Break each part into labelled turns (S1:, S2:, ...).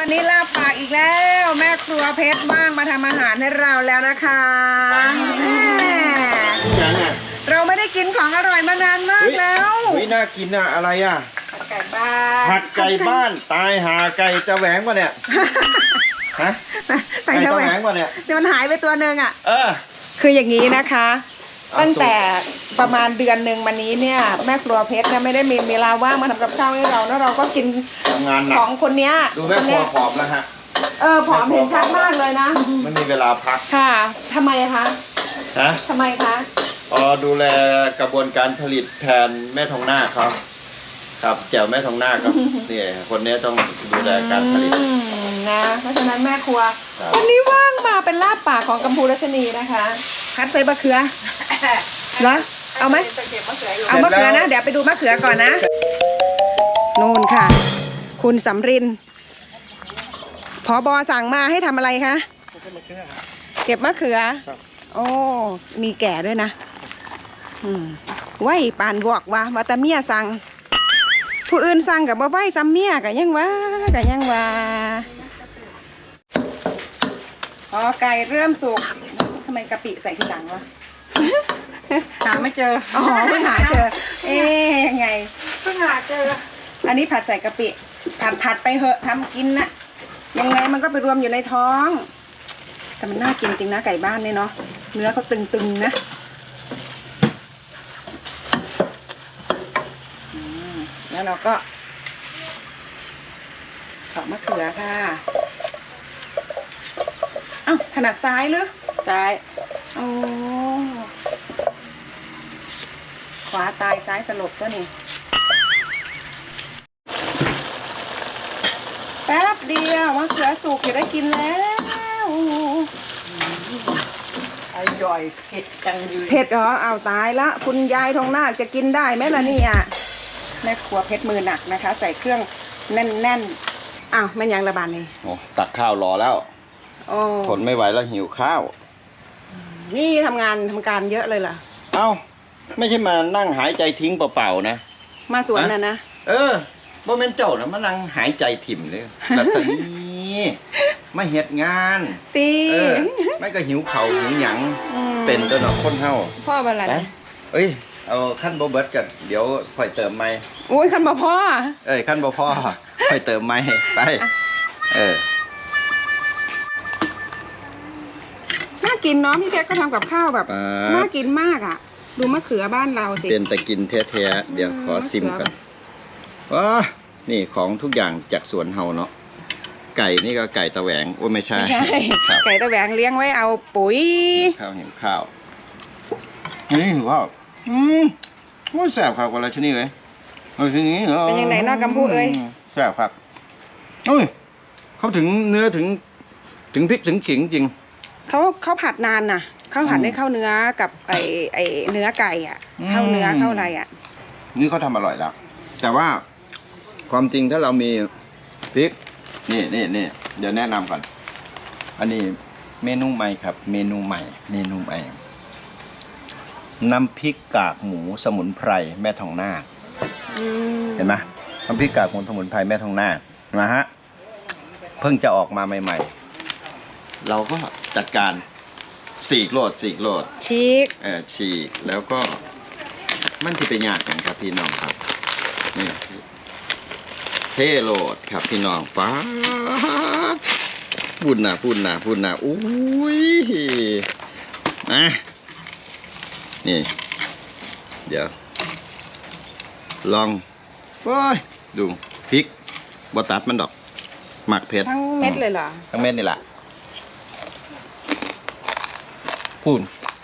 S1: วันนี้ลาบปากอีกแล้วแม่ครัวเพชรว่างมาทำอาหารให้เราแล้วนะคะเราไม่ได้กินของอร่อยมานานมากแล้ว
S2: น่ากินอะอะไรอะ
S1: ผัดไก่บ้าน
S2: ผัดไก่บ้านตายหาไก่จะแหวงวะเนี่ยฮะไก่จะแหวงวะเนี่ย
S1: เดี๋ยวมันหายไปตัวหนึ่งอะ
S2: เออ
S1: คืออย่างนี้นะคะตั้งแต่ประมาณเดือนหนึ่งมานี้เนี่ยแม่ครัวเพชรเนี่ยไม่ได้มีเวลาว่างมาทำกับข้าวให้เราแล้วเราก็กิน
S2: งานหนัก
S1: ของคนเนี้ย
S2: ดูแม่ครัวผอมแล้วฮะ
S1: ผอมเห็นชัดมากเลยนะ
S2: ไม่มีเวลาพัก
S1: ค่ะทำไมคะทำไมคะ
S2: ดูแลกระบวนการผลิตแทนแม่ทองหน้าเขาครับแจ๋วแม่ทองหน้าครับนี่คนนี้ต้องดูแลการผลิต
S1: นะเพราะฉะนั้นแม่ครัววันนี้ว่างมาเป็นลาบปากของกัมพูรัชนีนะคะคัดใส่มะเขือเหรอเอาไหมเอามะเขือนะเดี๋ยวไปดูมะเขือก่อนนะนู่นค่ะคุณสำรินผบ.สั่งมาให้ทำอะไรคะเก็บมะเขือโอ้มีแก่ด้วยนะไหวปานบอกว่าแต่เมียสั่งผู้อื่นสั่งกับบ่ไหวซ้ำเมียกันยังว่าไก่เริ่มสุกทำไมกะปิใส่ทีหลังวะหาไม่เจอเพิ่งหาเจอยังไงเพิ่งหาเจออันนี้ผัดใส่กะปิผัดไปเหอะทำกินนะยังไงมันก็ไปรวมอยู่ในท้องแต่มันน่ากินจริงนะไก่บ้านเนี่ยเนาะเนื้อเขาตึงๆนะแล้วเราก็ตอกมะเขือค่ะเอ้าถนัดซ้ายหรือซ้ายโอ้ขวาตายซ้ายสลบก็นี่แป๊บเดียวมะเขือสุกจะได้กินแล้ว
S3: อร่อยเผ็ดจังเลย
S1: เผ็ดเหรอเอาตายละคุณยายทองนาคจะกินได้ไหมล่ะเนี่ยแม่ครัวเพชรมือหนักนะคะใส่เครื่องแน่นอ้าวแม่ยังระบาดนี่
S2: โอ้ตักข้าวรอแล้วทนไม่ไหวแล้วหิวข้าว
S1: นี่ทำการเยอะเลยล่ะ
S2: เอ้าไม่ใช่มานั่งหายใจทิ้งเปล่าๆนะ
S1: มาสวนนะ
S2: บ่แม่นเจ้านะมานั่งหายใจถิ่มเลยลัสนีมาเฮ็ดงานไม่ก็หิวเข่าหิวหยังเป็นตัวหนอคนเฮา
S1: พ่อเป็นอะไร
S2: เอาขั้นบ่เบิดกันเดี๋ยวค่อยเติมใหม่
S1: โอ้ยขั้นบ่พ่อ
S2: ขั้นบ่พ่อค่อยเติมใหม่ไป
S1: น่ากินเนาะพี่แจ๊คก็ทำกับข้าวแบบน่ากินมากอ่ะดูมะเขือบ้านเราสิ
S2: เป็นแต่กินแท้ๆเดี๋ยวขอซิมก่อนนี่ของทุกอย่างจากสวนเฮาเนาะไก่นี่ก็ไก่ตะแหวงโอ้ไม่ใช่
S1: ไก่ตะแหวงเลี้ยงไว้เอาปุ๋ย
S2: ข้าวนี่ถือว่าว่าแสบครับกว่าราชนีเลยราชนี
S1: เป็นยังไงนอกกัมพู
S2: แสบครับเขาถึงเนื้อถึงพริกถึงขิงจริง
S1: เขาผัดนานน่ะเขาผัดให้เข้าเนื้อกับไอเนื้อไก่อ่ะเข้าเนื้อเข้าอะไรอ่ะ
S2: นี่เขาทำอร่อยแล้วแต่ว่าความจริงถ้าเรามีพริกนี่เดี๋ยวแนะนำก่อนอันนี้เมนูใหม่ครับเมนูใหม่น้ำพริกกากหมูสมุนไพรแม่ทองนาคเห็นไหมน้ำพริกกากหมูสมุนไพรแม่ทองนาคนะฮะเพิ่งจะออกมาใหม่ๆเราก็จัดการฉีกโลดฉีกแล้วก็มันที่ไปยากกันครับพี่น้องครับนี่เทโลดครับพี่น้องป้าพูดนะอุ้ยนี่เดี๋ยวลองดูพริกบตัดมันดอกหมักเผ็ด
S1: ทั้งเม็ดเลยเหรอ
S2: ทั้งเม็ดนี่แหละพูด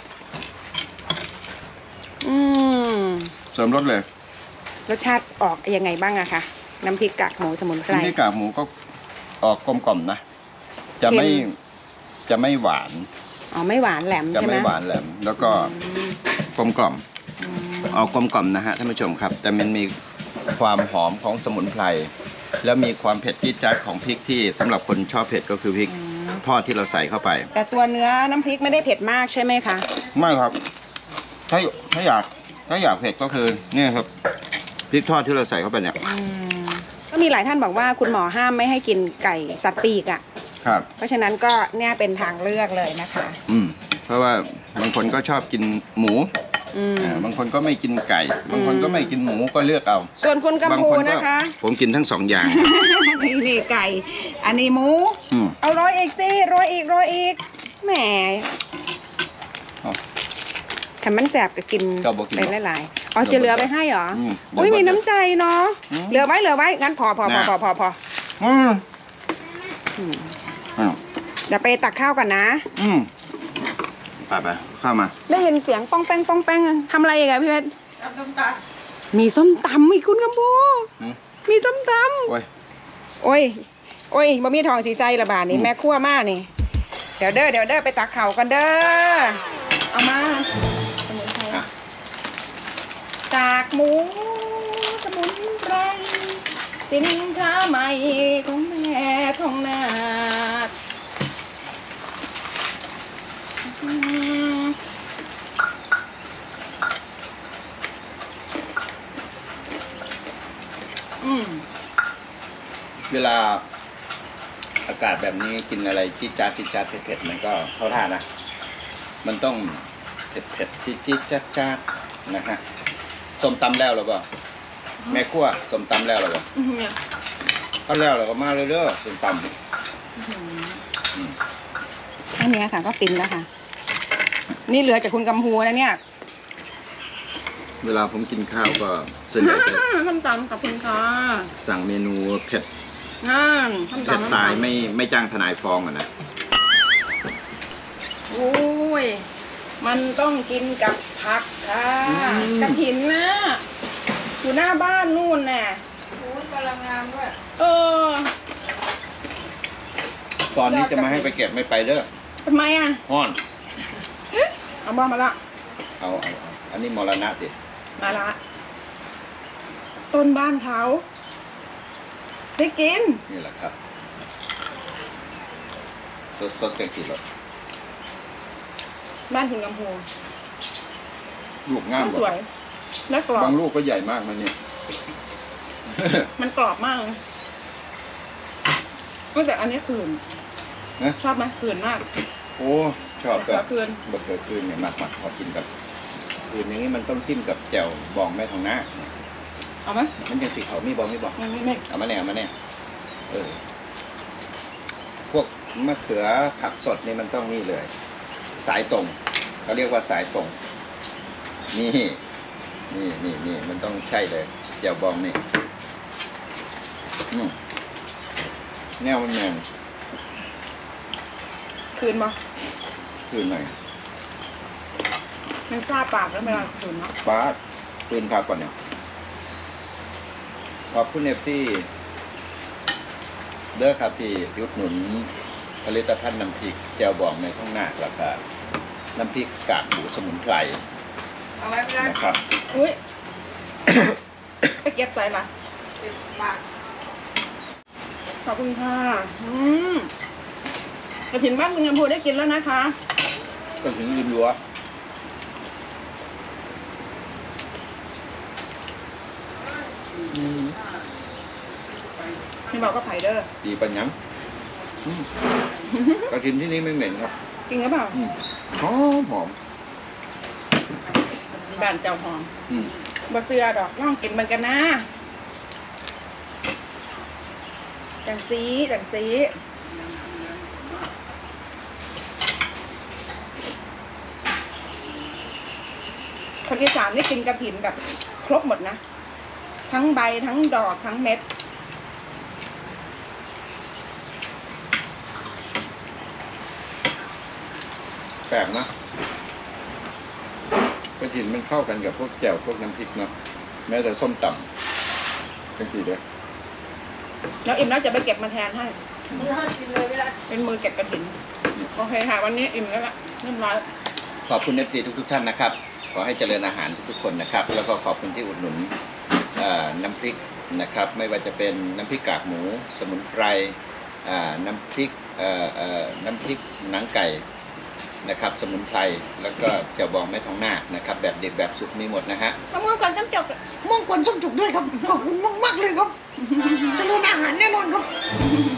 S2: เสริมรสเลย
S1: รสชาติออกยังไงบ้างอะคะน้ำพริกกากหมูสมุนไพร
S2: น้ำพริกกากหมูก็ออกกลมกล่อมนะจะไม่หวาน
S1: ไม่หวานแหลม
S2: จะไม่หวานแหลมแล้วก็กลมกล่อมออกกลมกล่อมนะฮะท่านผู้ชมครับแต่มันมีความหอมของสมุนไพรแล้วมีความเผ็ดจี๊ดจ๊าดของพริกที่สำหรับคนชอบเผ็ดก็คือพริกทอดที่เราใส่เข้าไป
S1: แต่ตัวเนื้อน้ำพริกไม่ได้เผ็ดมากใช่ไหมคะ
S2: ไม่ครับถ้าอยากเผ็ดก็คือเนี่ยครับพริกทอดที่เราใส่เข้าไปเนี่ย
S1: มีหลายท่านบอกว่าคุณหมอห้ามไม่ให้กินไก่สัตว์ปีกอ่ะ
S2: ครับ
S1: เพราะฉะนั้นก็เนี่ยเป็นทางเลือกเลยนะคะ
S2: เพราะว่าบางคนก็ชอบกินหมู บางคนก็ไม่กินไก่ บางคนก็ไม่กินหมูก็เลือกเอา
S1: ส่วนคุณกัม
S2: บาง
S1: พู
S2: คนก็
S1: นะคะ
S2: ผมกินทั้งสองอย่าง
S1: นี่ไก่ อันนี้หมู
S2: อืม
S1: เอาร้อยอีกสิร้อยอีกแหม
S2: อ๋อ
S1: ถ้ามันแสบก็กิน
S2: ก็บ่กิน
S1: ไปหลายๆอ๋อจะเหลือไปให้เหรอ
S2: อืม
S1: อุ้ยมีน้ำใจเนาะ
S2: อืม
S1: เหลือไว้งั้นพอ
S2: น่ะ อืม
S1: อืม
S2: อ้าว
S1: เดี๋ยวไปตักข้าวก่อนนะ
S2: ไปเข้ามา
S1: ได้ยินเสียงป้องแป้งทำอะไรอีกอะพี่เพชรมีส้มตำอีกคุณกัมพู
S2: อืม
S1: มีส้มต
S2: โอ้ย
S1: ำโอ้ยบ่มีทองสีใจละบาทนี่
S2: อืม
S1: แม่ครัวมากนี่ เดี๋ยวเด้อไปตักข้าวกันเด้อเอามาสมุนไพร
S2: อ่ะ
S1: จากหมูสมุนไพรสินค้าใหม่ของแม่ทองนาค
S2: เวลาอากาศแบบนี้กินอะไรจี๊ดจ๊าดเผ็ดๆมันก็เข้าท่านะ มันต้องเผ็ดจี๊ดจ๊าดนะฮะส้มตำแล้วหรือเปล่าแม่ครัวส้มตำแล้วหรือเปล่าก็แล้วหรือก็มาเรื่อยๆส้มตำ
S1: อันเนี้ยค่ะก็ฟินแล้วค่ะ นี่เหลือจากคุณกัมพูนะเนี่ย
S2: เวลาผมกินข้าวก็ส่วนใหญ่จะ
S1: ส้มตำกับคุณค่ะ
S2: สั่งเมนูเผ็ด
S1: ส้ม
S2: เผ็ด
S1: ตำ
S2: ตายไม่จ้างทนายฟ้องอ่ะนะ
S1: โอ้ยมันต้องกินกับผักค่ะกระถินนะอยู่หน้าบ้านนู่นน่ะโอ้ยกำลังงามด้วย
S2: ตอนนี้จะมาให้ไปเก็บไม่ไปเด้อ
S1: ทำไมอ่ะ
S2: ห้อน
S1: เอาบ้ามาละ
S2: เอาอันนี้มรณะดิ
S1: มาละ ต้นบ้านเขาได้กิน
S2: นี่แหละครับ สดๆจังสิรส
S1: บ้านคุณกัมพู
S2: ลูกงาม
S1: สวย และกรอบบ
S2: างลูกก็ใหญ่มากมันเนี่ย
S1: มันกรอบมากเลยแต่อันนี้คืน
S2: นะ
S1: ชอบไหมคืนมาก
S2: โอ้ชอบ
S1: เสือคืน
S2: บะเขือคืนเนี่ยมากพอกินกับคืนอย่างนี้มันต้องจิ้มกับแจ่วบองแม่ทองหน้า
S1: เอาไหม
S2: มันยังสีเขามีบองไม่บอก
S1: ไม่
S2: เอามาเนี่ยพวกมะเขือผักสดนี่มันต้องนี่เลย สายตรงเขาเรียกว่าสายตรงนี่มันต้องใช่เลยแจ่วบองนี่แนวมันแมน
S1: คืนมา
S2: คืนหน่อย
S1: มันซาปากแล้วเวลาคืนเนาะ
S2: ฟ้าคืนพักก่อนเนี่ยขอบคุณเอฟที่เด้อครับที่อุดหนุนผลิตภัณฑ์น้ำพริกแจ่วบองในท้องหน้าราคาน้ำพริกกากหมูสมุนไพร
S1: เอาไว้ไม่ได้
S2: นะครับ
S1: อุ้ย ไปเก็บใส่มาขอบคุณค่ะกระถิ่นบ้านคุณกัมพูได้กินแล้วนะคะ
S2: ก็ถึงริมรั้ว
S1: นี่บอกก็ไผ่เด้อ
S2: ดีปัญญังกระถินที่นี่ไม่เหม็นครับ
S1: กินหรือเปล่า
S2: หอม
S1: บ้านเจ้าหอม
S2: อืม
S1: บ่เสือดอกลองกินมันกันนะจังสีคนอีสานนี่กินกระถินแบบครบหมดนะ ทั้งใบทั้งดอกทั้งเม็ด
S2: แปลกนะกระถินมันเข้ากันกับพวกแจ่วพวกน้ำพริกเนาะแม้แต่ส้มตำเป็นสีเด้อ
S1: แล้วอิ่มแล้วจะไปเก็บมาแทนให้เป็นมือเก็บกระถินโอเคค่ะวันนี้อิ่มแล้วล่ะเรียบร้อย
S2: ขอบคุณเอฟซีทุกท่านนะครับ ขอให้เจริญอาหารทุกคนนะครับ แล้วก็ขอบคุณที่อุดหนุนน้ำพริกนะครับ ไม่ว่าจะเป็นน้ำพริกกากหมูสมุนไพรน้ำพริกหนังไก่นะครับ สมุนไพรแล้วก็เจียวบองแม่ทองนาคนะครับ แบบเด็กแบบสุกมีหมดนะฮะ
S1: มะม่วงก่อนต้มจก
S3: ม่วงกวนส้มจุกด้วยครับ ขอบคุณมากๆเลยครับเจริญอาหารแน่นอนครับ